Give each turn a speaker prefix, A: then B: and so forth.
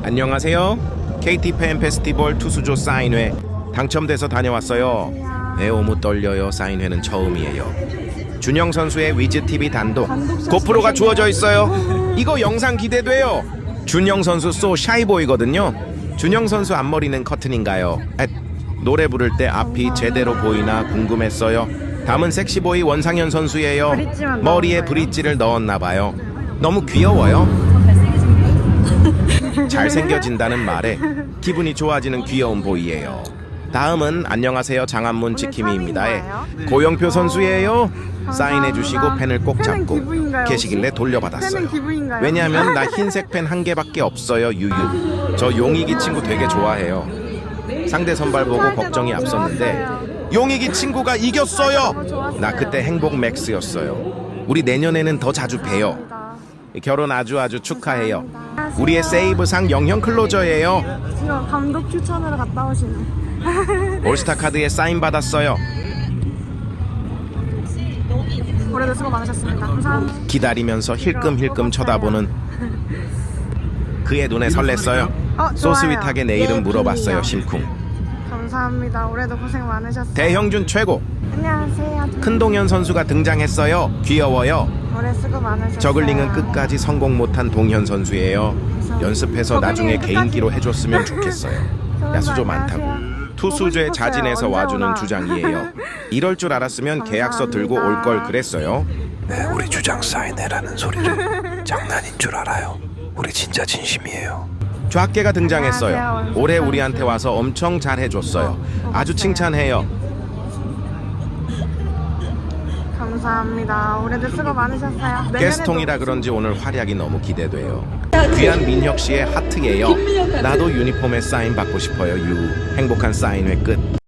A: 안녕하세요. KT 팬 페스티벌 투수조 사인회 당첨돼서 다녀왔어요. 너무 떨려요. 사인회는 처음이에요. 준영 선수의 위즈 TV 단독 고프로가 주어져 있어요. 이거 영상 기대돼요. 준영 선수 소 샤이보이거든요. 준영 선수 앞머리는 커튼인가요? 노래 부를 때 앞이 제대로 보이나 궁금했어요. 다음은 섹시보이 원상현 선수예요. 머리에 브릿지를 넣었나봐요. 너무 귀여워요. 잘생겨진다는 말에 기분이 좋아지는 귀여운 보이예요. 다음은 안녕하세요 장안문 지킴이입니다의 고영표 선수예요. 사인해주시고 펜을 꼭 잡고 계시길래 돌려받았어요. 왜냐하면 나 흰색 펜 한 개밖에 없어요. 유유. 저 용익이 친구 되게 좋아해요. 상대 선발 보고 걱정이 앞섰는데 용익이 친구가 이겼어요. 나 그때 행복 맥스였어요. 우리 내년에는 더 자주 봬요. 결혼 아주 축하해요. 우리의 세이브상 영형 클로저예요.
B: 지금 감독 추천으로 갔다 오시네.
A: 올스타 카드에 사인 받았어요.
B: 올해도 수고 많으셨습니다. 감사합니다.
A: 기다리면서 힐끔힐끔 쳐다보는 그의 눈에 설렜어요. 소스윗하게 내 이름 물어봤어요. 심쿵.
B: 감사합니다. 올해도 고생 많으셨어요.
A: 대형준 최고.
B: 안녕하세요.
A: 큰동현 선수가 등장했어요. 귀여워요.
B: 올해 수고 많으셨어요.
A: 저글링은 끝까지 성공 못한 동현 선수예요. 연습해서 나중에 개인기로 해줬으면 좋겠어요. 야수조 많다고. 투수조에 자진해서 와주는 주장이에요. 이럴 줄 알았으면 계약서 들고 올 걸 그랬어요.
C: 네, 우리 주장 사인해라는 소리를 장난인 줄 알아요. 우리 진짜 진심이에요.
A: 좌깨가 등장했어요. 올해 우리한테 와서 엄청 잘해줬어요. 아주 칭찬해요.
B: 감사합니다. 올해도 수고 많으셨어요.
A: 게스통이라 그런지 오늘 활약이 너무 기대돼요. 귀한 민혁 씨의 하트예요. 나도 유니폼에 사인 받고 싶어요. 유. 행복한 사인회 끝.